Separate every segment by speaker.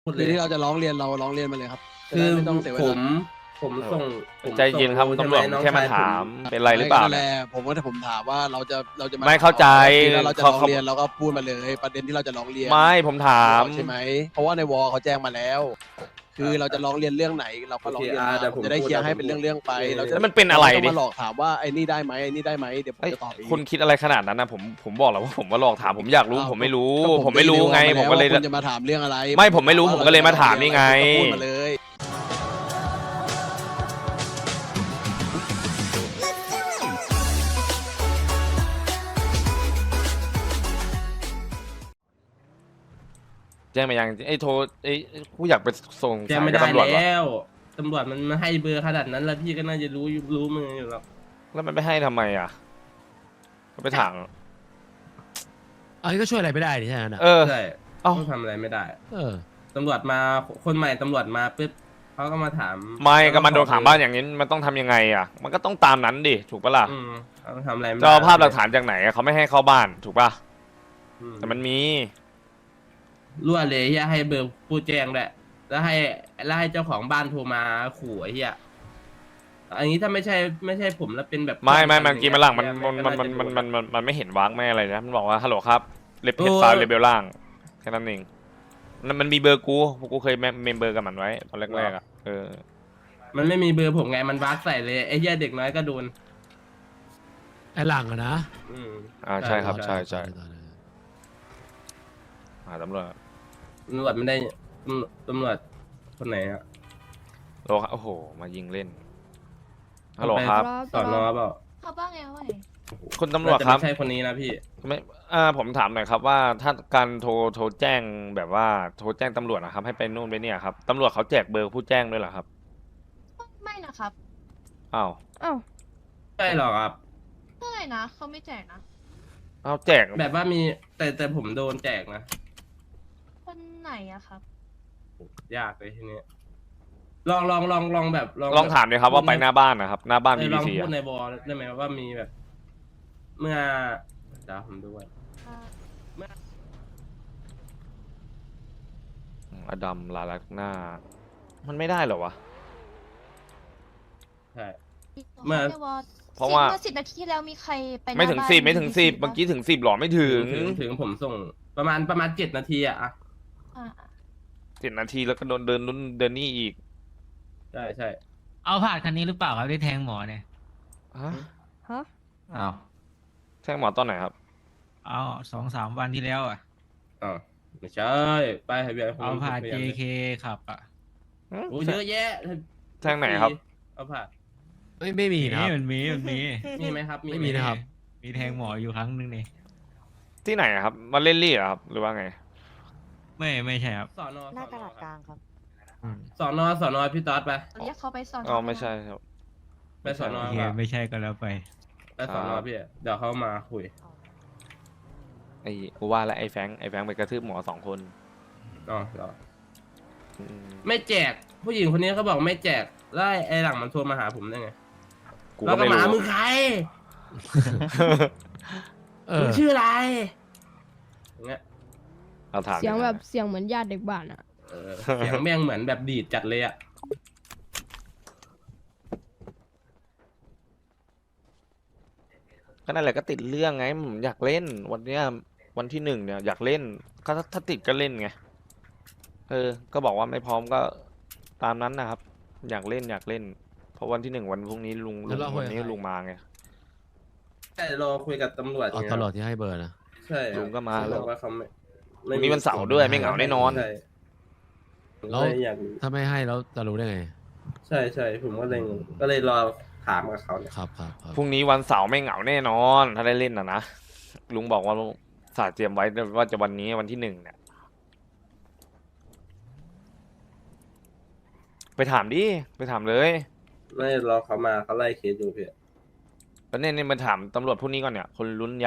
Speaker 1: พูดเล
Speaker 2: คือย ที่เราจะร้องเรียนเราร้องเรียนมาเลยครับจะ
Speaker 1: คื
Speaker 2: ได้
Speaker 1: อ
Speaker 2: ไม่ต้องเสียเว
Speaker 1: ผ
Speaker 2: ลาม
Speaker 1: ส่งผม
Speaker 3: ใจเย็นครับ
Speaker 1: ส่ง
Speaker 3: ตำรวจ
Speaker 1: ใช่ไห
Speaker 3: แค่มา
Speaker 1: น้องชย
Speaker 3: ถามเป็นไรหรือเปล่า
Speaker 2: นั่นแห
Speaker 3: เนี่ย
Speaker 2: ละผมว่าถ้าผมถามว่าเราจะมา
Speaker 3: ไม่เข้าใจ
Speaker 2: คือถ้าเราจะร้อง
Speaker 3: เขา
Speaker 2: เรียนเราก็พูดมาเลย ประเด็นที่เราจะร้องเรียน
Speaker 3: ไม่ผมถาม
Speaker 2: ใช่ไหมเพราะว่าในวอลเขาแจ้งมาแล้ว คือเราจะร้องเรียนเรื่องไหนเราก็ร้องเรียนมา
Speaker 1: เดี๋ยว
Speaker 2: ผมจะได้เคลียร์ให้เป็นเรื่องๆไปเราจะ
Speaker 3: แล้วมันเป็นอะไร
Speaker 2: เรา
Speaker 3: ดิ
Speaker 2: มาหลอกถามว่าไอ้นี่ได้ไหมไอ้นี่ได้ไหมเดี๋ยวผม
Speaker 3: เอ้ย
Speaker 2: จะตอบเอง
Speaker 3: คุณคิดอะไรขนาดนั้นนะผมบอกแล้วว่าผมว่าหลอกถามผมอยากรู้
Speaker 2: อ้าว
Speaker 3: ผมไม่รู้
Speaker 2: ก็
Speaker 3: ผมไม่รู้ไง
Speaker 2: ตีในวอ
Speaker 3: ผมก็เลย
Speaker 2: ว่าคุณจะมาถามเรื่องอะไร
Speaker 3: ไม่ผมไม่รู้ผมก็เลยมาถามนี่ไง
Speaker 2: ก็พูดมาเลย
Speaker 3: แจ้งมายังไอ้โทรไอ้ผู้อยากไปส่ง
Speaker 1: แจ้ง
Speaker 3: สาย
Speaker 1: ไม่
Speaker 3: กับ
Speaker 1: ได้
Speaker 3: ตำรวจวะ
Speaker 1: แล้วตำรวจมันให้เบอร์ขนาดนั้นแล้วพี่ก็น่าจะรู้มืออยู่แล้ว
Speaker 3: แล้วมันไม่ให้ทำไมอ่ะก็ไปถาม
Speaker 4: อันนี้ก็ช่วยอะไรไม่ได้ดิใช่ไหมนะ
Speaker 3: เออ
Speaker 1: ใช่
Speaker 3: เอ้า
Speaker 1: ต้องทำอะไรไม่ได้
Speaker 4: เออ
Speaker 1: ตำรวจมาคนใหม่ตำรวจมาปุ๊บเขาก็มาถาม
Speaker 3: ไม่ก็มันโดนขังบ้านอย่างนี้มันต้องทำยังไงอ่ะ มันก็ต้องตามนั้นดิถูกปะล่ะ
Speaker 1: เขาทำอะไรไม่
Speaker 3: จะ
Speaker 1: ได้
Speaker 3: เอาภาพหลักฐานจากไหนอะเขาไม่ให้เข้าบ้านถูกปะ
Speaker 1: อืม
Speaker 3: แต่มันมี
Speaker 1: รั่วเลยเฮียให้เบอร์ผู้แจ้งด้วยแล้วให้เจ้าของบ้านโทรมาขู่ไอ้เฮียอันนี้ถ้าไม่ใช่ผมแล้วเป็นแบบ
Speaker 3: ไม่เมื่อกี้มันหลังมัน
Speaker 1: ก็าจะโด
Speaker 3: มันไม่เห็นวากแม่อะไรนะมันบอกว่าฮัลโหลครับเลเบล
Speaker 1: โอ้
Speaker 3: ซ้ายเลเบลล่างแค่นั้นเองมันมีเบอร์กูเคยเมมเบอร์กับมันไว้ตอนแรกๆอ่ะเออ
Speaker 1: มันไม่มีเบอร์ผมไงมันวากใส่เลยไอ้เหี้ยเด็กน้อยก็โดน
Speaker 4: ไอ้หลังอะนะ
Speaker 1: อืม
Speaker 3: ใช่ครับใช่
Speaker 4: ต่อเลย
Speaker 3: ตำรวจ
Speaker 1: ตำรวจไม่ได้ตำรวจคนไหนอะ
Speaker 3: โลครับโอ้โหมายิงเล่นฮัลโหลครับ
Speaker 1: สอนอเปล่า
Speaker 5: เขาบ้างไงวะ
Speaker 3: คุณตำรวจครับ
Speaker 1: ไม่ใช่คนนี้นะพี่
Speaker 3: ไม่ผมถามหน่อยครับว่าถ้าการโทรแจ้งแบบว่าโทรแจ้งตำรวจนะครับให้ไปนู่นไปเนี่ยครับตำรวจเขาแจกเบอร์ผู้แจ้งด้วยเหรอครับ
Speaker 5: ไม่นะครับ
Speaker 3: อ้าว
Speaker 5: อ้าว
Speaker 1: ใช่หรอครับ
Speaker 5: เท่าไหร่นะเขาไม่แจกนะ
Speaker 3: อ้าวแจก
Speaker 1: แบบว่ามีแต่ผมโดนแจกนะ
Speaker 5: คนไหนอะครับ
Speaker 1: ยากเลยทีนี้ลองแบบ
Speaker 3: ลองถามเลยครับว่าไปหน้าบ้านนะครับหน้าบ้าน
Speaker 1: ลอง
Speaker 3: BBC
Speaker 1: พู
Speaker 3: อ่ะ
Speaker 1: ดในบอลได้ไหมว่ามีแบบ เมื่อเดี๋ยวผมดูก่อน
Speaker 3: อดัมลาลักหน้า มันไม่ได้เหรอวะ
Speaker 1: ใช่
Speaker 5: เมื่อ
Speaker 3: เพราะว่า
Speaker 5: เมื่อ10 นาทีที่แล้วมีใครไปหน้า
Speaker 3: ไม่ถึง
Speaker 5: บ้าน
Speaker 3: 10ไม่ถึง
Speaker 5: BBC
Speaker 3: 10เมื่อกี้ถึง10หรอไม่ถึง
Speaker 1: ถึงผมส่งประมาณ7 นาทีอะ
Speaker 5: อ่า
Speaker 3: 7 นาทีแล้วก็โดนเดินนี่อีก
Speaker 1: ใช่ใช่
Speaker 6: เอาผ่านคันนี้หรือเปล่าครับที่แทงหมอเนี่ย
Speaker 3: ฮะ
Speaker 5: ฮะ
Speaker 6: อ้าว
Speaker 3: แจ้งหมอตอนไหนครับ
Speaker 6: เอา2-3 วันที่แล้วอ่ะ
Speaker 1: อ๋อไม่ใช่ไปให้เบียร์
Speaker 6: เอาผ่าน JK ขับอ่ะ
Speaker 1: โอ้เยอะแยะ
Speaker 3: แจ้งไหนครับ
Speaker 1: เอาผ่าน
Speaker 4: ไม่มีนะครับ
Speaker 6: มันมี
Speaker 1: มีไหมครับ
Speaker 4: ไม่มีนะครับ
Speaker 6: มีแทงหมออยู่ครั้งหนึงนี่
Speaker 3: ที่ไหนอะครับมาเล่นลี่เหรอครับหรือว่าไง
Speaker 6: ไม่ใช่ครับ
Speaker 1: สอนอ
Speaker 5: หน้ากระดาษกลางครับ
Speaker 1: สอนอพี่ต๊อดไป
Speaker 5: เรียกเขาไปสอน
Speaker 3: อ๋อไม่ใช่ครับ
Speaker 1: ไปสอนอ
Speaker 6: โอเค
Speaker 1: ครับ
Speaker 6: ไม่ใช่ก็แล้วไป
Speaker 1: ไปสอนอพี่เดี๋ยวเขามาคุย
Speaker 3: ไอ้กูว่าแล้วไอ้แฟงไปกระทืบหมอ2 คน
Speaker 1: อ๋อเหรอ
Speaker 3: อืม
Speaker 1: ไม่แจก ผู้หญิงคนนี้เขาบอกไม่แจกแล้วไอ้หลังมันโทรมาหาผมได้ไง
Speaker 3: กู
Speaker 1: แล้ว
Speaker 3: ก็
Speaker 1: ก็
Speaker 3: ไม่
Speaker 1: มา
Speaker 3: รู้
Speaker 1: มึงใคร
Speaker 4: เอ
Speaker 1: มึ
Speaker 4: อ
Speaker 1: งชื่ออะไรอย่างเงี้ย
Speaker 3: เราถาม
Speaker 7: เสียงแบบเสียงเหมือนญาติเด็กบ้านอ่ะ
Speaker 1: เสียงแม่งเหมือนแบบดีดจัดเลยอะ
Speaker 3: ก็นั่นแหละก็ติดเรื่องไงผมอยากเล่นวันเนี้ยวันที่1เนี่ยอยากเล่นก็ถ้าติดก็เล่นไงก็บอกว่าไม่พร้อมก็ตามนั้นนะครับ อยากเล่นเพราะวันที่1วันพรุ่งนี้ลุง
Speaker 4: แล้วเราคุย
Speaker 3: วันนี้
Speaker 4: กับใคร
Speaker 3: ลุงมาไง
Speaker 1: ใช่รอคุยกับตำรวจ
Speaker 4: เอา
Speaker 1: ไง
Speaker 4: ตลอดที่ให้เบอร์นะ
Speaker 1: ใช่ครับ
Speaker 3: ลุงก็มา
Speaker 1: เขา
Speaker 3: แล้
Speaker 1: บ
Speaker 3: ว
Speaker 1: อกว่าเขาไม่
Speaker 3: วันนี้วันเสาร์ด้วยไม่เหงาแน่นอน
Speaker 1: ใช่ผม
Speaker 4: แล้ว
Speaker 1: ก็เลยอยากรู้
Speaker 4: ถ้าไม่ให้แล้วจะรู้ได้ไง
Speaker 1: ใช่ผมก็เลยรอถามกับเขาเนี่ย
Speaker 4: ครับ
Speaker 3: พรุ่งนี้วันเสาร์ไม่เหงาแน่นอน ถ้าได้เล่นนะลุงบอกว่าสาเตรียมไว้ว่าจะวันนี้วันที่1เนี่ยไปถามดิไปถามเลย
Speaker 1: ไม่รอเขามาเขาไล่เคสอยู่พี่
Speaker 3: แล้วเนี่ยมาถามตำรวจพวกนี้ก่อนเนี่ยคนรุ่นใหญ่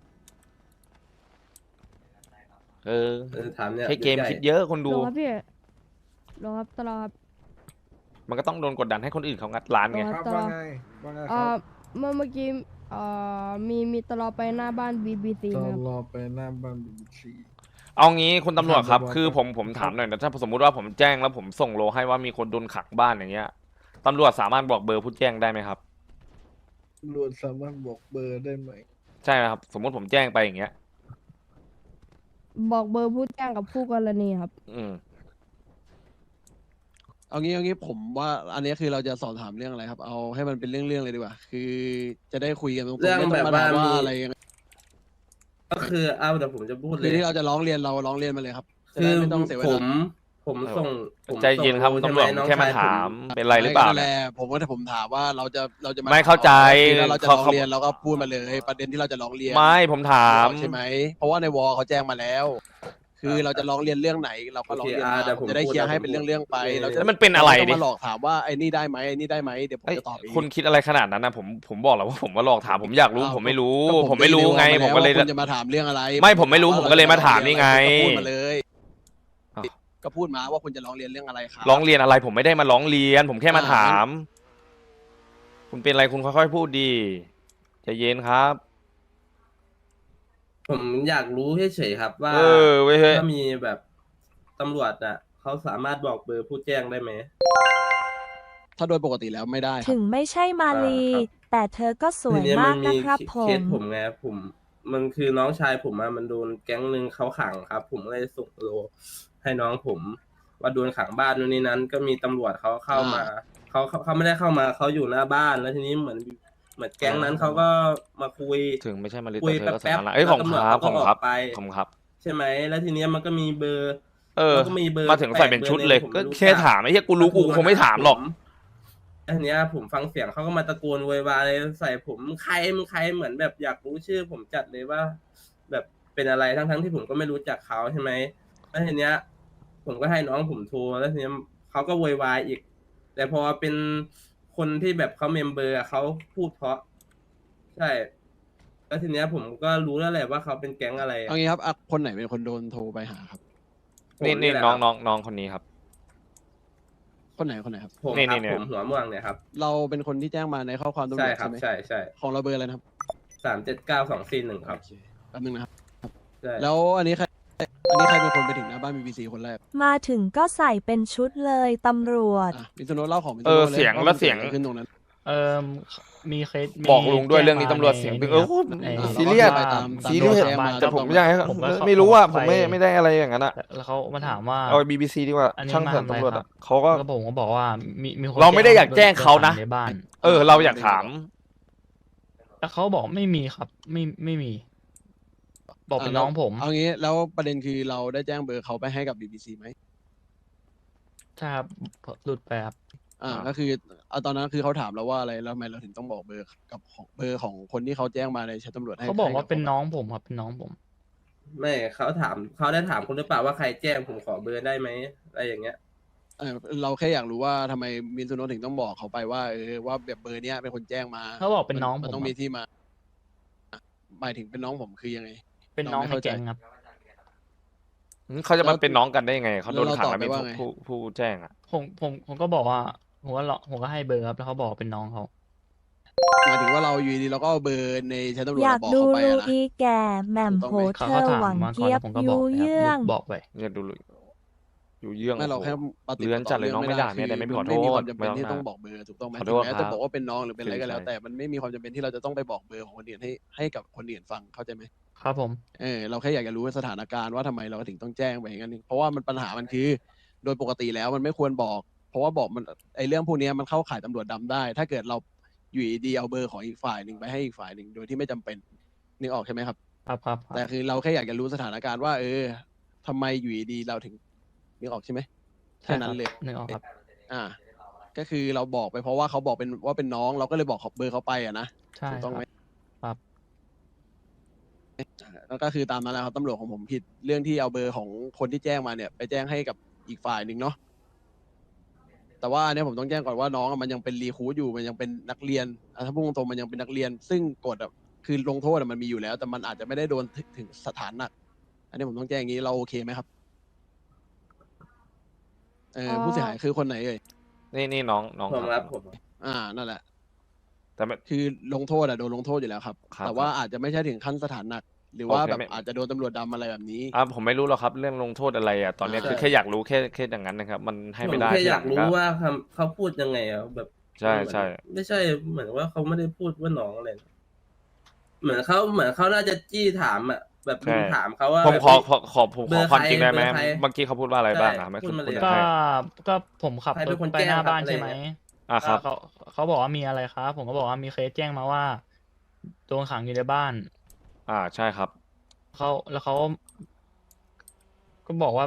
Speaker 1: ถามเนี่ย
Speaker 3: ใช้เกม
Speaker 1: ใหญ่
Speaker 3: คิดเยอะคนดู
Speaker 7: รอครับพี่รอครับตลอดครับ
Speaker 3: มันก็ต้องโดนกดดันให้คนอื่นเขางัดร้านไง
Speaker 7: รอ
Speaker 8: ครับว่าไงว่าไงค
Speaker 7: เอ่
Speaker 8: รั
Speaker 7: อบ เมื่อกี้มีตลอดไปหน้าบ้าน BBC
Speaker 8: ต
Speaker 7: ครับ
Speaker 8: รอไปหน้าบ้านBBC
Speaker 3: เอางี้คุณตำรวจครับ
Speaker 4: ถาม
Speaker 3: คือผมถามหน่อยนะถ้าสมมุติว่าผมแจ้งแล้วผมส่งโลให้ว่ามีคนโดนขังบ้านอย่างเงี้ยตำรวจสามารถบอกเบอร์ผู้แจ้งได้ไหมครับ
Speaker 2: ตำรวจสามารถบอกเบอร์ได้ไหม
Speaker 3: ใช่ไหมครับ สมมุติผมแจ้งไปอย่างเงี้ย
Speaker 7: บอกเบอร์ผู้แจ้งกับผู้กรณีครับ
Speaker 3: อืม
Speaker 2: เอางี้ผมว่าอันนี้คือเราจะสอบถามเรื่องอะไรครับ เอาให้มันเป็นเรื่องเลยดีกว่า คือจะได้คุยกันตรงๆ
Speaker 1: เรื่อง
Speaker 2: ไม่ต้องมา
Speaker 1: แบบ
Speaker 2: ถาม
Speaker 1: ว่า
Speaker 2: ว่า
Speaker 1: มี
Speaker 2: อะไรยังไง
Speaker 1: ก็คือเอาเดี๋ยวผมจะพูดเล
Speaker 2: คือย ที่เราจะร้องเรียนเราร้องเรียนมาเลยครับจะ
Speaker 1: คื
Speaker 2: ได้
Speaker 1: อ
Speaker 2: ไม่ต้องเสียเว
Speaker 1: ผ
Speaker 2: ลา
Speaker 1: ผมส่งผม
Speaker 3: ใจเย็นครับ
Speaker 1: ส่ง
Speaker 3: ตำรวจ
Speaker 1: ใช่ไห
Speaker 3: แค่มา
Speaker 1: น้องชย
Speaker 3: ถามเป็นไรหรือเปล่า
Speaker 2: นั่นแห
Speaker 3: เนี่ย
Speaker 2: ละผมก็ถ้าผมถามว่าเราจะมา
Speaker 3: ไม่เข้าใจ
Speaker 2: คือถ้าเราจะร้อง
Speaker 3: เขา
Speaker 2: เรียนเราก็พูดมาเลย ประเด็นที่เราจะร้องเรียน
Speaker 3: ไม่ผมถาม
Speaker 2: ใช่ไหมเพราะว่าในวอเขาแจ้งมาแล้ว คือเราจะร้องเรียนเรื่องไหน เราก็ร้องเรียน
Speaker 1: โอเค
Speaker 2: มา
Speaker 1: เดี๋ยวผม
Speaker 2: จะได้เคลียร์ให้เป็น
Speaker 1: พูด
Speaker 2: เรื่องๆไปเราจะ
Speaker 3: แล้วมันเป็นอะไร
Speaker 2: ม่ต้
Speaker 3: ดิ
Speaker 2: งมาหลอกถามว่าไอ้นี่ได้ไหมไอ้นี่ได้ไหมเดี๋ยวผม
Speaker 3: เอ้ย
Speaker 2: จะตอบเอง
Speaker 3: คุณคิดอะไรขนาดนั้นนะผมบอกแล้วว่าผมว่าหลอกถามผมอยากรู้
Speaker 2: อ้าว
Speaker 3: ผมไม่รู้
Speaker 2: ก็
Speaker 3: ผมไม่รู้ไง
Speaker 2: ด้
Speaker 3: ผมก็เลย
Speaker 2: ว่าคุณจะมาถามเรื่องอะไร
Speaker 3: ไม่ผมไม่รู้ผมก็เลยมาถามนี่ไง
Speaker 2: ก็พูดมาเลย
Speaker 3: อ้าว
Speaker 2: ก็พูดมาว่าคุณจะร้องเรียนเรื่องอะไรครับ
Speaker 3: ร้องเรียนอะไรผมไม่ได้มาร้องเรียน ผมแค่มาถาม คุณเป็นอะไรคุณค่อยๆพูดดีใจเย็นครับ
Speaker 1: ผมอยากรู้เฉยๆครับ ว่า
Speaker 3: เออเว้ยเฮ้ย
Speaker 1: ถ้ามีแบบตำรวจอ่ะเขาสามารถบอกเบอร์ผู้แจ้งได้ไหม
Speaker 2: ถ้าโดยปกติแล้วไม่ได้ครับ
Speaker 8: ถึงไม่ใช่มาลี
Speaker 1: ครับ
Speaker 8: แต่เธอก็สวย
Speaker 1: ทีเนี้ย
Speaker 8: มากนะครับผ
Speaker 1: เคส
Speaker 8: ม
Speaker 1: ผมไงมันคือน้องชายผมอะมันโดนแก๊งหนึ่งเขาขังครับ ผมก็เลยส่งโลให้น้องผม ว่าโดนขังบ้านนู่นนี่นั้น ก็มีตำรวจเขาเข้ามาเขาไม่ได้เข้ามาเขาอยู่หน้าบ้านแล้วทีนี้เหมือนแก๊งนั้นเขาก็มาคุย
Speaker 3: ถึงไม่ใช่มาริ
Speaker 1: คุย
Speaker 3: แต่เธอก็
Speaker 1: แป๊บ
Speaker 3: สา
Speaker 1: ๆ
Speaker 3: ระเอ้ยของ
Speaker 1: แล้ว
Speaker 3: ครับ
Speaker 1: ตำรวจ
Speaker 3: ของ
Speaker 1: เขาก็
Speaker 3: ครับ
Speaker 1: ออกไป
Speaker 3: ของครับ
Speaker 1: ใช่ไหมแล้วทีเนี้ยมันก็มีเบอร์
Speaker 3: เออ
Speaker 1: แล้วก็มีเบอร์
Speaker 3: มาถึงใส่เป็นชุดเลย
Speaker 1: ผม
Speaker 3: ก็
Speaker 1: ไม่รู้
Speaker 3: แค่ถามไอ้เหี้ยกูรู้กูคงไม่ถามหรอก
Speaker 1: อันเนี้ยผมฟังเสียงเขาก็มาตะโกนโวยวายใส่ผมมึงใครเหมือนแบบอยากรู้ชื่อ ผมจัดเลยว่า แบบเป็นอะไรทั้งที่ผมก็ไม่รู้จักเขาใช่ไหมแล้วทีเนี้ย ผมก็ให้น้องผมโทรแล้วทีเนี้ยเขาก็โวยวายอีก แต่พอเป็นคนที่แบบเขาเมมเบอร์อะเขาพูดเพราะ ใช่แล้วทีเนี้ยผมก็รู้แล้วแหละว่าเขาเป็นแก๊งอะไรอะ
Speaker 2: เอางี้ครับอ่ะคนไหนเป็นคนโดนโทรไปหาครับ
Speaker 1: ผม
Speaker 3: นี่
Speaker 1: แหละ
Speaker 3: น้อง
Speaker 1: ครับ
Speaker 3: น้องคนนี้ครับ
Speaker 2: คนไหนครับ
Speaker 1: ผม
Speaker 3: นี่
Speaker 1: ครับ
Speaker 3: นี่
Speaker 1: ผมหัวม่วงเนี่ยครับ
Speaker 2: เราเป็นคนที่แจ้งมาในข้อความตำร
Speaker 1: ใช่
Speaker 2: วจ
Speaker 1: ครั
Speaker 2: ใช่
Speaker 1: บ
Speaker 2: ไหม
Speaker 1: ใช่
Speaker 2: ของเราเบอร์อะไรนะครับ
Speaker 1: 379241ครับ
Speaker 2: โอเคแป๊บนึงนะครับ
Speaker 1: ใช่
Speaker 2: แล้วอันนี้ใครเป็นคนไปถึงหน้าบ้าน BBC คนแรก
Speaker 8: มาถึงก็ใส่เป็นชุดเลยตำรวจ
Speaker 2: อ่ะมิซุโนะเล่าของมิซุ
Speaker 3: เออ
Speaker 2: โนะเลย
Speaker 3: เสียง
Speaker 2: ว่า
Speaker 3: แล้ว
Speaker 2: มัน
Speaker 3: เสียง
Speaker 2: กิดอะไรขึ้นตรงนั้น
Speaker 9: มีเคสมี
Speaker 3: บอกลุงด้วย
Speaker 9: แจ้
Speaker 3: เรื่องนี้
Speaker 9: มา
Speaker 3: ตำรวจ
Speaker 9: ใน
Speaker 3: เสียง
Speaker 9: นี่
Speaker 3: เออ
Speaker 9: ครับ
Speaker 2: อ่า
Speaker 3: ซีเรียส
Speaker 2: เราก็ไปตาม
Speaker 3: ซีเรียส
Speaker 2: ตาม
Speaker 9: มา
Speaker 3: แต่ผมไม่อยากให้
Speaker 9: ผมก็
Speaker 3: ไม่รู้ว่า
Speaker 9: เข้า
Speaker 3: ผม
Speaker 9: ไป
Speaker 3: ไม่ได้อะไรอย่างนั้นอะ
Speaker 9: แล้วเขามาถามว่า
Speaker 3: เอา BBC ดีกว่า
Speaker 9: อันนี้
Speaker 3: ช่าง
Speaker 9: มา
Speaker 3: เถอะ
Speaker 9: ทำอะไร
Speaker 3: ตำรวจ
Speaker 9: ครั
Speaker 3: อะ
Speaker 9: บ
Speaker 3: เขาก็
Speaker 9: แล้วผมก็บอกว่ามีคน
Speaker 3: เราไม่ได้อยากแจ้งเขานะ
Speaker 9: ในบ้าน
Speaker 3: เออ เราอยากถาม
Speaker 9: แล้วเขาบอกไม่มีครับ ไม่มี บอกเป็นน้องผม
Speaker 2: เอางี้แล้วประเด็นคือเราได้แจ้งเบอร์เขาไปให้กับ BBC ไหม
Speaker 9: ใช่ครับหลุดไปครับ
Speaker 2: ก็คือเอาตอนนั้นคือเขาถามเราว่าอะไรแล้วทำไมเราถึงต้องบอกเบอร์กับของเบอร์ของคนที่เขาแจ้งมาในแชทตำรวจให้
Speaker 9: เขาบอกว่า
Speaker 2: ให้
Speaker 9: เป็นน้องผมครับเป็นน้องผม
Speaker 1: ไม่เขาได้ถามคุณหรือเปล่าว่าใครแจ้งผมขอเบอร์ได้ไหมอะไรอย่างเงี้ย
Speaker 2: เราแค่อยากรู้ว่าทำไมมินซุโนะถึงต้องบอกเขาไปว่าว่าแบบเบอร์เนี้ยเป็นคนแจ้งมา
Speaker 9: เขาบอกเป็นน้องผม
Speaker 2: มันต้องมีที่มาหมายถึงเป็นน้องผมคือยังไง
Speaker 9: เป็นน้อง
Speaker 2: เราไม่
Speaker 9: ใน
Speaker 2: เข้าใจ
Speaker 9: แก๊งครับ
Speaker 3: เขาจะมาเป็นน้องกันได้ยังไงเขาโดน
Speaker 2: แล้วเรา
Speaker 3: ขัง
Speaker 2: ตอบ
Speaker 3: แล้วมี
Speaker 2: ไปว่าไง
Speaker 3: ผู้แจ้งอะ
Speaker 9: ผมก็บอกว่าผมก็ให้เบอร์ครับแล้วเขาบอกเป็นน้องเขา
Speaker 2: หมายถึงว่าเราอยู่ดีเราก็เอาเบอร์ในแชทตำรวจ
Speaker 8: อยาก
Speaker 2: บอก
Speaker 8: ดู
Speaker 2: เขาไป
Speaker 8: ลู
Speaker 2: อะนะ
Speaker 8: อีแก่แหม่มโห
Speaker 2: ถูกต้องไหม
Speaker 8: เธ
Speaker 9: เขา
Speaker 8: อ
Speaker 9: ถาม
Speaker 8: หวัง
Speaker 9: มาก่อน
Speaker 8: เกีย
Speaker 9: แล้
Speaker 8: บ
Speaker 9: วผมก็
Speaker 8: ยู
Speaker 9: บอกไป
Speaker 8: เยื่อ
Speaker 9: ครับ
Speaker 8: ง
Speaker 9: บอกไป
Speaker 3: เนี่ยดูอยู่เยื่อง
Speaker 2: ไม่เรา
Speaker 3: โอ้โห
Speaker 2: แค่ปฏิบัติ
Speaker 3: เลื้อนจัดเลยน้องไม่ด่า
Speaker 2: คือ
Speaker 3: แต่ไม่ขอโทษ
Speaker 2: ไม่มีความจำเป็น
Speaker 3: ไม่ต้อง
Speaker 2: ที่
Speaker 3: ด่า
Speaker 2: ต้องบอกเบอร์ถูกต้องไหม
Speaker 3: ขอโท
Speaker 2: ถึง
Speaker 3: ษ
Speaker 2: แม้
Speaker 3: ครั
Speaker 2: จะ
Speaker 3: บ
Speaker 2: บอกว่าเป็นน้องหรือเป็นอะไรก็แล้ว
Speaker 3: ใช่
Speaker 2: แต่มันไม่มีความจำเป็นที่เราจะต้องไปบอกเบอร์ของคนอื่นให้กับคนอื่นฟังเข้าใจไหม
Speaker 9: ครับผม
Speaker 2: เราแค่อยากจะรู้สถานการณ์ว่าทำไมเราถึงต้องแจ้งไปอย่างนั้นเพราะว่ามันปัญหามันคือ โดยปกติแล้วมันไม่ควรบอก เพราะว่าบอกมันไอเรื่องพวกนี้มันเข้าข่ายตำรวจดำได้ ถ้าเกิดเราอยู่ดีๆเอาเบอร์ของอีกฝ่ายหนึ่งไปให้อีกฝ่ายหนึ่งโดยที่ไม่จำเป็นนึกออกใช่ไหมครับ
Speaker 9: ครับ
Speaker 2: แต่คือเราแค่อยากจะรู้สถานการณ์ว่า ทำไมอยู่ดีๆเราถึงนึกออกใช่ไหมแค่นั้นเลย
Speaker 9: นึกออกครับ
Speaker 2: ก็คือเราบอกไปเพราะว่าเขาบอกว่าเป็นน้องเราก็เลยบอกเบอร์เขาไปอะนะ
Speaker 9: ใช่
Speaker 2: ถูกต้องไหม
Speaker 9: ครับ
Speaker 2: แล้วก็คือตามนั้นแหละครับตำรวจของผมผิดเรื่องที่เอาเบอร์ของคนที่แจ้งมาเนี่ย ไปแจ้งให้กับอีกฝ่ายหนึ่งเนาะแต่ว่าอันเนี้ยผมต้องแจ้งก่อนว่าน้องอะมันยังเป็นรีครูทอยู่มันยังเป็นนักเรียนถ้าพูดตรงๆมันยังเป็นนักเรียน ซึ่งกฎคือลงโทษมันมีอยู่แล้ว แต่มันอาจจะไม่ได้โดนถึงสถานหนัก อันนี้ผมต้องแจ้งอย่างนี้เราโอเคไหมครับผู้เสียหายคือคนไหนเอ่ย
Speaker 3: นี่น้อง
Speaker 1: ผมครับผม
Speaker 2: นั่นแหละ
Speaker 3: แต่ไม่
Speaker 2: คือลงโทษโดนลงโทษอยู่แล้วครับ
Speaker 3: ครับ
Speaker 2: แต่ว่าอาจจะไม่ใช่ถึงขั้นสถานหนักหรือว่า
Speaker 3: โอเค
Speaker 2: แบบ
Speaker 3: ไม่
Speaker 2: อาจจะโดนตำรวจดำอะไรแบบนี้
Speaker 3: ผมไม่รู้หรอกครับเรื่องลงโทษอะไรอ่ะตอนเนี้ย
Speaker 2: ใช่
Speaker 3: คือแค่อยากรู้แค่อย่างนั้นนะครับ มันให้
Speaker 1: ผม
Speaker 3: ไม่ได้
Speaker 1: แค่อยาก
Speaker 3: ทีหลัง
Speaker 1: รู้ว่าเขาพูดยังไงอะแบบ
Speaker 3: ใช่
Speaker 1: มันเหมือน
Speaker 3: ใช่
Speaker 1: ไม่ใช่เหมือนว่าเขาไม่ได้พูดว่าน้องอะไรนะเหมือนเขาน่าจะจี้ถามอะแบบลุงถามเขาว่า
Speaker 3: ผม
Speaker 1: แบบ
Speaker 3: ขอ
Speaker 1: เฮ้ย
Speaker 3: ผม
Speaker 1: เบ
Speaker 3: ข
Speaker 1: อ
Speaker 3: อ
Speaker 1: ร์
Speaker 3: ความ
Speaker 1: ใคร
Speaker 3: จริงได้ไหม
Speaker 1: เบอร์ใคร
Speaker 3: เมื่อกี้เขาพูดว่าอะไร
Speaker 1: ใช่
Speaker 3: บ้างอะไม่
Speaker 1: พูดมาเลย
Speaker 9: ก็
Speaker 3: ให้
Speaker 9: ก็ผมขับ
Speaker 1: ใคร
Speaker 9: ร
Speaker 1: เป็
Speaker 9: ถ
Speaker 1: นคน
Speaker 9: ไป
Speaker 1: แจ้ง
Speaker 9: หน้า
Speaker 1: ครับ
Speaker 9: บ้าน
Speaker 1: อะไร
Speaker 9: ใช่ไหม
Speaker 1: อย่างเงี้ย
Speaker 3: ครับ
Speaker 9: เขาบอกว่ามีอะไรครับ ผมก็บอกว่ามีเคสแจ้งมาว่าโดนขังอยู่ในบ้าน
Speaker 3: ใช่ครับ
Speaker 9: แล้วเขาก็บอกว่า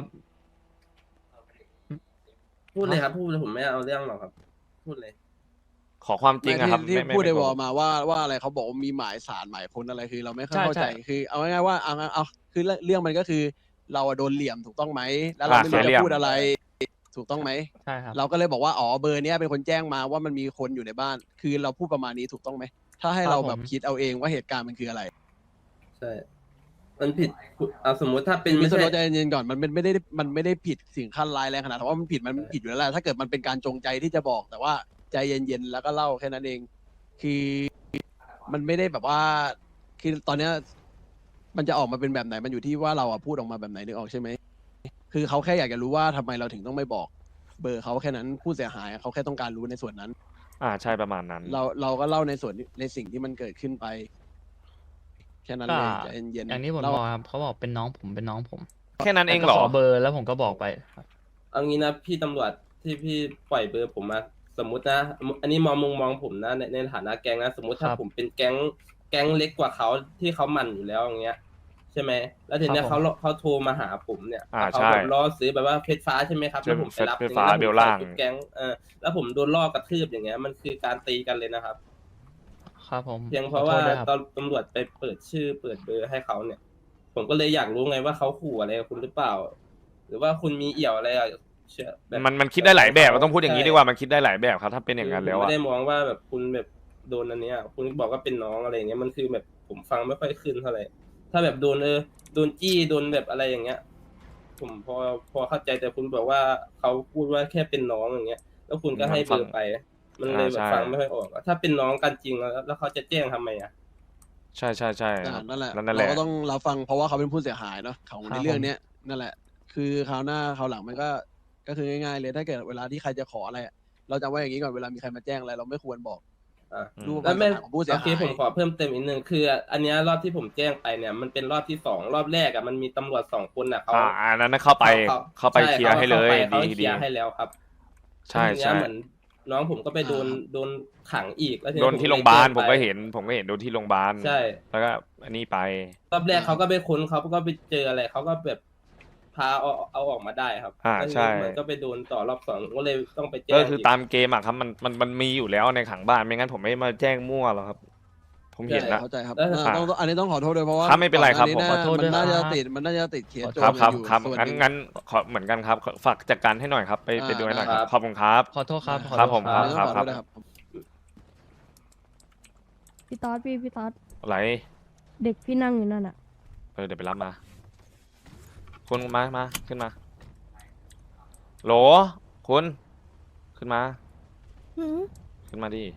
Speaker 1: พูดเลยครับพูดเลยผมไม่เอาเรื่องหรอกครับ พูดเลย
Speaker 3: ขอความจริงอะครับ
Speaker 2: ที่
Speaker 3: ไม่
Speaker 2: พูดใน
Speaker 3: โก
Speaker 2: วอ
Speaker 3: ห
Speaker 2: ล
Speaker 3: ก
Speaker 2: มาว่าอะไรเขาบอกว่ามีหมายสารหมายค้นอะไรคือเราไม่ค่อย
Speaker 9: ใช่
Speaker 2: เข้าใจ
Speaker 9: ใช่
Speaker 2: คือเอาง่ายๆว่าเอาคือเรื่องมันก็คือเราอะโดนเหลี่ยมถูกต้องไหมแล้วเราไม่รู้
Speaker 3: เสียเหลี่
Speaker 2: จะ
Speaker 3: ยม
Speaker 2: พูดอะไร ถูกต้องไหม
Speaker 9: ใช่ครับ
Speaker 2: เราก็เลยบอกว่าอ๋อเบอร์เนี้ยเป็นคนแจ้งมาว่ามันมีคนอยู่ในบ้าน คือเราพูดประมาณนี้ถูกต้องไหมถ้าให้
Speaker 9: ครับ
Speaker 2: เราแบบ
Speaker 9: ผม
Speaker 2: คิดเอาเองว่าเหตุการณ์มันคืออะไร
Speaker 1: ใช่ มันผิดเอาสมมุติถ้าเป็น
Speaker 2: มิ
Speaker 1: ไม่
Speaker 2: สเตอ
Speaker 1: ใช่
Speaker 2: ร์โรสใจเย็นๆก่อนมันไม่ได้ผิดสิ่งขั้นร้ายแรงขนาดแต่ว่ามันผิดอยู่แล้วแหละถ้าเกิดมันเป็นการจงใจที่จะบอก แต่ว่าใจเย็นๆแล้วก็เล่าแค่นั้นเอง คือมันไม่ได้แบบว่า คือตอนเนี้ยมันจะออกมาเป็นแบบไหนมันอยู่ที่ว่าเราอะพูดออกมาแบบไหนนึกออกใช่ไหมคือเขาแค่อยากจะรู้ว่าทำไมเราถึงต้องไม่บอก เบอร์เขาแค่นั้นผู้เสียหายเขาแค่ต้องการรู้ในส่วนนั้น
Speaker 3: ใช่ประมาณนั้น
Speaker 2: เราก็เล่าในสิ่งที่มันเกิดขึ้นไป แค่นั้น
Speaker 9: ก็
Speaker 2: เลยใจเย็นๆ
Speaker 9: อย่างที่ผม
Speaker 2: เล่า
Speaker 9: บอกครับเขาบอกเป็นน้องผมเป็นน้องผม
Speaker 3: แค่นั้นเอง
Speaker 9: แล้ว
Speaker 3: เหร
Speaker 9: ก็
Speaker 3: อ
Speaker 9: ขอเบอร์แล้วผมก็บอกไปครับ
Speaker 1: เอางี้นะพี่ตำรวจที่พี่ปล่อยเบอร์ผมมาสมมตินะ อันนี้มองผมนะในฐานะแก๊งนะสมมติถ้า
Speaker 9: ครับ
Speaker 1: ผมเป็นแก๊งเล็กกว่าเขาที่เขามันอยู่แล้วอย่างเงี้ย ใช่ไหมแล้วทีเนี้ย
Speaker 9: ครับผม
Speaker 1: เขาโทรมาหาผมเนี่ย เขา
Speaker 3: ใช่
Speaker 1: แบบล่อซื้อแบบว่าเพชรฟ้าใช่ไหมครับ
Speaker 3: ใช่
Speaker 1: แล้วผมไปรับ
Speaker 3: เพชรฟ้า
Speaker 1: อย่างงี้ย
Speaker 3: เบลล่าง
Speaker 1: ผมใส่ชุดแก๊งแล้วผมโดนล่อกระทืบอย่างเงี้ยมันคือการตีกันเลยนะครับ
Speaker 9: ครับผม
Speaker 1: เพียงเพราะว่า
Speaker 9: ขอโทษด้วยครับ
Speaker 1: ตอนตำรวจไปเปิดชื่อเปิดเบอร์ให้เขาเนี่ย ผมก็เลยอยากรู้ไงว่าเขาขู่อะไรกับคุณหรือเปล่า หรือว่าคุณมีเอี่ยวอะไรอะเชื่อแบบ
Speaker 3: มันคิดได้หลายแบบต้องพูดอย่างนี้
Speaker 1: ใช่
Speaker 3: ดีกว่ามันคิดได้หลายแบบครับ ถ้าเป็นอย่างนั้นแล้ว
Speaker 1: ผม
Speaker 3: อะ
Speaker 1: ไม่ได้มองว่าแบบคุณแบบโดนอันเนี้ย คุณบอกว่าเป็นน้องอะไรอย่างเงี้ยมันคือแบบผมฟังไม่ค่อยขึ้นเท่าไหร่ถ้าแบบโดนโดนจี้โดนแบบอะไรอย่างเงี้ย ผมพอเข้าใจแต่คุณบอกว่าเขาพูดว่าแค่เป็นน้องอย่างเงี้ย แล้วคุณก็ให้เบอร์ไป มันเลยแบบฟังไม่ค่อยออกอะถ้าเป็นน้องกันจริงแล้วเขาจะแจ้งทำไมอะ
Speaker 3: ใช่
Speaker 2: นั่นแหละ
Speaker 3: นั่นแห
Speaker 2: เรา
Speaker 3: ละ
Speaker 2: ก็ต้องรับฟังเพราะว่าเขาเป็นผู้เสียหายเนาะของ
Speaker 9: ครับ
Speaker 2: ในเรื่องเนี้ยนั่นแหละ คือคราวหน้าคราวหลังมันก็คือง่ายๆเลยถ้าเกิดเวลาที่ใครจะขออะไรอะเราจำไว้อย่างนี้ก่อนเวลามีใครมาแจ้งอะไรเราไม่ควรบอก
Speaker 1: อ่ะ
Speaker 2: รูป
Speaker 1: แล้วไม่
Speaker 2: ของผู้เสีย
Speaker 1: โอ
Speaker 2: หาย
Speaker 1: เคผมขอเพิ่มเติมอีกนึงคือ อันเนี้ยรอบที่ผมแจ้งไปเนี่ย มันเป็นรอบที่2รอบแรกอะมันมีตำรวจ2คนอะเขา
Speaker 3: อันนั้นเข้าไปเคลียร์ให้เลย
Speaker 1: เขาเค
Speaker 3: ดี
Speaker 1: ลียร์ให้แล้วครับ
Speaker 3: ใช่
Speaker 1: ทีเนี้ยเหมือนน้องผมก็ไปโดนขังอีกแล้วที
Speaker 3: โด
Speaker 1: เนี้ย
Speaker 3: นที่
Speaker 1: ผม
Speaker 3: โรงพยาบาล
Speaker 1: แจ้
Speaker 3: ผม
Speaker 1: ไป
Speaker 3: ก็เห็นโดนที่โรงพยาบาล
Speaker 1: ใช่
Speaker 3: แล้วก็อันนี้ไป
Speaker 1: รอบแรกเขาก็ไปค้นเขาก็ไปเจออะไรเขาก็แบบพาเอาออกมาได้ครับแล้วที
Speaker 3: ใช่
Speaker 1: นี้มันก็ไปโดนต่อรอบ2ผมก็เลยต้องไปแจ้ง
Speaker 3: ก็คือตามเกมอะครับมันมีอยู่แล้วในขังบ้านไม่งั้นผมไม่มาแจ้งมั่วหรอกครับ ผมเห็นนะ
Speaker 2: เข้าใจครับ
Speaker 1: แล้ว
Speaker 2: ต้องอันนี้ต้องขอโทษด้วยเพราะว่า
Speaker 3: ครับไม่เป็นไรครับ
Speaker 2: ก่อหา
Speaker 9: ขอโทษด้วย
Speaker 2: มันน่า
Speaker 9: ครั
Speaker 2: จะ
Speaker 9: บ
Speaker 2: มันน่าจะติดเคสโจ
Speaker 3: ครับ
Speaker 2: ร
Speaker 3: ครับ
Speaker 2: อยู่
Speaker 3: ครับ
Speaker 2: ส่วนห
Speaker 3: งั้น
Speaker 2: นึ่ง
Speaker 3: งั้นขอเหมือนกันครับฝากจัดการให้หน่อยครับไปดูให้หน่อยครับขอบคุณครับ
Speaker 9: ขอโทษครับขอ
Speaker 3: ครับ
Speaker 9: โทษ
Speaker 3: ผม
Speaker 2: อันนี้ต้องขอ
Speaker 3: ครั
Speaker 2: โท
Speaker 3: บ
Speaker 2: ษนะครับ
Speaker 7: พี่ต๊อดพี่ต๊อด
Speaker 3: อะไร
Speaker 7: เด็กพี่นั่งอยู่นั่นอ่ะ
Speaker 3: เดี๋ยวไปรับมาคุณมาขึ้นมาโหลคุณขึ้นมาขึ้นมาดิ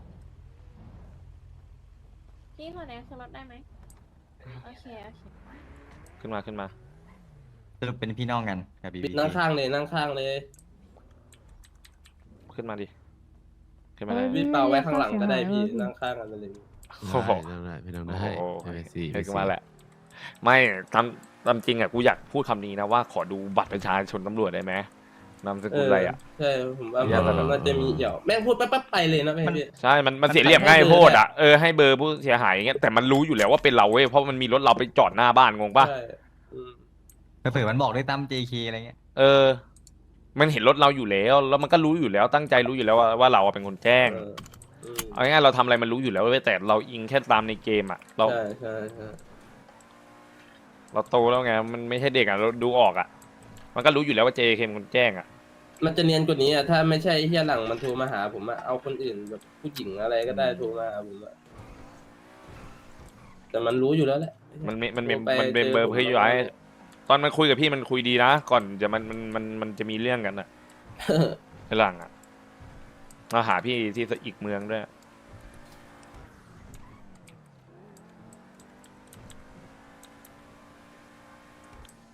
Speaker 5: พี่ขอแนะขึ้นรถได้ไหมโอเค
Speaker 3: ขึ้นมา
Speaker 6: สรุปเป็นพี่น้องกันกับบีบี
Speaker 1: นั่งข้างเลยนั่งข้างเลย
Speaker 3: ขึ้นมาดิขึ้นมา
Speaker 7: เฮ้
Speaker 3: เลย
Speaker 7: ย
Speaker 1: พี่เปาไว้ข้างหลังก็ได้พี่
Speaker 7: เสียหาย
Speaker 1: นั่งข้างกันไปเลย
Speaker 3: โอ้โห
Speaker 4: ไม่ต้องได้
Speaker 3: โอ้โห
Speaker 4: ไม่เป็นสี่
Speaker 3: ให้กูมาแหละ ไม่ตามจริงอ่ะกูอยากพูดคำนี้นะว่าขอดูบัตรประชาชนตำรวจได้ไหมนามสกุลอะไรอ่ะ
Speaker 1: ใช่ผมว่า
Speaker 3: อย่า
Speaker 1: มันน่าจะมีเอี่ยวแม่งพูดปั๊บไปเลยนะพี่
Speaker 3: ใช่มันเสียเหลี่ยมง่ายโพดอ่ะให้เบอร์ผู้เสียหายอย่างเงี้ยแต่มันรู้อยู่แล้วว่าเป็นเราเว้ยเพราะมันมีรถเราไปจอดหน้าบ้านงงป่ะ
Speaker 1: ใช่อืม
Speaker 6: เผื่อมันบอกด้วยตั้ม JK อะไรเงี้ย
Speaker 3: มันเห็นรถเราอยู่แล้วมันก็รู้อยู่แล้วตั้งใจรู้อยู่แล้วว่าเราเป็นคนแจ้ง
Speaker 1: อืม
Speaker 3: เอาง่ายๆเราทำอะไรมันรู้อยู่แล้วเว้ยแต่เราอิงแค่ตามในเกมอ่ะเรา
Speaker 1: ใช่
Speaker 3: เราโตแล้วไงมันไม่ใช่เด็กอ่ะเราดูออกอ่ะมันก็รู้อยู่แล้วว่า JK เป็นคนแจ้งอ่ะ
Speaker 1: มันจะเนียนกว่านี้อ่ะถ้าไม่ใช่เฮียหลังมันโทรมาหาผมอะเอาคนอื่นแบบผู้หญิงอะไรก็ได้โทรมาหาผมอะแต่มันรู้อยู่แล้วแหละ
Speaker 3: มันเป็น
Speaker 1: โทรไป
Speaker 3: เบอร์
Speaker 1: จผม
Speaker 3: เพื่อย้ายตอนมันคุยกับพี่มันคุยดีนะก่อนจะมันจะมีเรื่องกันอ่ะ ไอ้หลังอ่ะมาหาพี่ที่อีกเมืองด้วย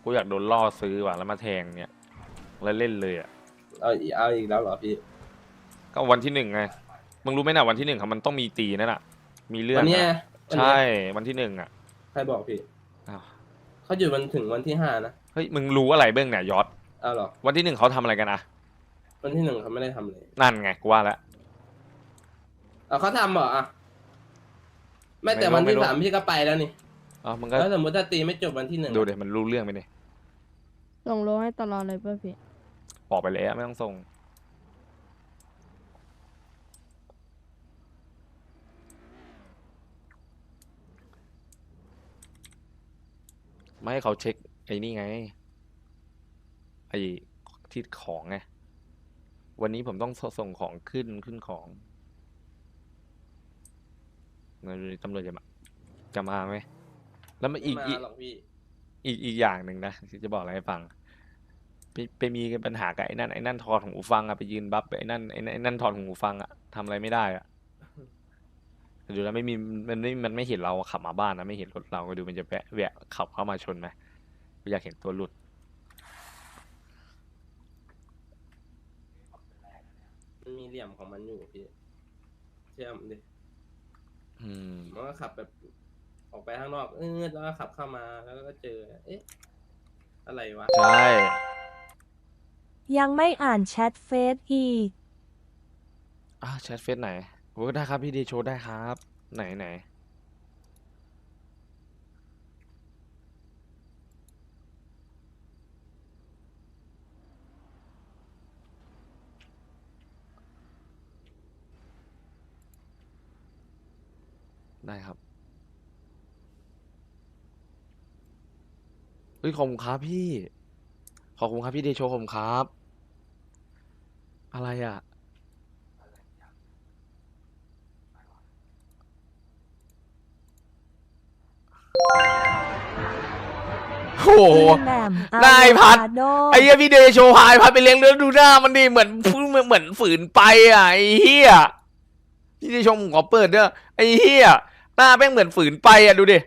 Speaker 3: กูอยากโดนล่อซื้อว่ะแล้วมาแทงเนี่ยแล้วเล่นเลยอ่ะ
Speaker 1: เอาอีกแล้วเหรอพี่
Speaker 3: ก็วันที่ 1ไงมึงรู้ไหมนะวันที่ 1ครับมันต้องมีตีนั่นน่ะมีเรื่อง
Speaker 1: วันเนี้ย
Speaker 3: อะ
Speaker 1: วันเนี้ย
Speaker 3: ใช่วันที่ 1อ่ะ
Speaker 1: ใครบอกพี่
Speaker 3: อ้าว
Speaker 1: เขาหยุดวันถึงวันที่5นะ
Speaker 3: เฮ้ยมึงรู้อะไรเบื้องเนี่ยยอด
Speaker 1: เอาเหรอ
Speaker 3: วันที่ 1เขาทำอะไรกันอะ
Speaker 1: วันที่1เขาไม่ได้ทำเลย
Speaker 3: นั่นไงกูว่าแล้ว
Speaker 1: เอาเขาทำเหรออ่ะไม่แต่
Speaker 3: ไม่รู้
Speaker 1: วันที่
Speaker 3: ไม่รู้
Speaker 1: 3พี่ก็ไปแล้วนี่
Speaker 3: อ๋อมึงก็
Speaker 1: แล้วสมมติถ้าตีไม่จบวันที่1
Speaker 3: ดูเดี๋ยวมันรู้เรื่องไปเนี่ย
Speaker 7: ส่งโลให้ตลอดเลยป่ะพี่
Speaker 3: บอกไปแล้วไม่ต้องส่งไม่ให้เขาเช็คไอ้นี่ไงไอ้ที่ของไงวันนี้ผมต้องส่งของขึ้นของตำรวจจะมาไหมแล้วมัน
Speaker 1: ไม่
Speaker 3: อีก
Speaker 1: มาหรอกพี่
Speaker 3: อีกอย่างหนึ่งนะที่จะบอกอะไรให้ฟังไปมีปัญหากับไอ้นั่นถอดหูฟังอะไปยืนบัฟไอ้นั่นถอดหูฟังอะทำอะไรไม่ได้อะแต่ดูแล้วไม่มีมันไม่เห็นเราขับมาบ้านนะไม่เห็นรถเราก็ดูมันจะแวะขับเข้ามาชนไหมอยากเห็นตัวหลุด
Speaker 1: มันมีเหลี่ยมของมันอยู่พี่เชื่อมดิ
Speaker 3: อืม
Speaker 1: มันก็ขับแบบออกไปข้างนอกแล้วก็ขับเข้ามาแล้วก็เจอ เอ๊ะ อะไรวะ
Speaker 3: ใช่
Speaker 8: ยังไม่อ่านแชทเฟซอีก
Speaker 3: แชทเฟซไหนโอ้ได้ครับพี่ดีโชว์ได้ครับ ไหนได้ครับเฮ้ยขอบคุณครับพี่ขอบคุณครับพี่เดโชขอบคุณครับ อะไรอ่ะโอ้โห
Speaker 8: พี่แหม่ม
Speaker 3: นายพัด
Speaker 8: อะโวคาโด
Speaker 3: ไอ้เหี้ยพี่เดโชพายพัดไปเลี้ยงเลือดดูหน้ามันดิเหมือนฝืนไปอ่ะไอ้เหี้ยพี่เดโชผมขอเปิดเด้อไอ้เหี้ยหน้าแม่งเหมือนฝืนไปอ่ะดูดิ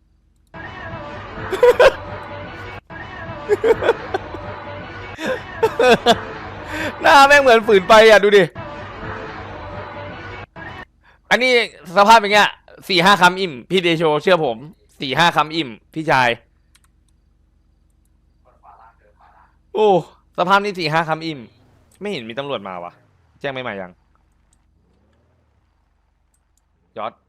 Speaker 3: หน้าแม่งเหมือนฝืนไปอ่ะดูดิ อันนี้สภาพอย่างเงี้ย4-5 คำอิ่มพี่เดโชเชื่อผม4-5 คำอิ่มพี่ชาย โอ้สภาพนี้4-5 คำอิ่มไม่เห็นมีตำรวจมาวะแจ้งไม่มายังยอด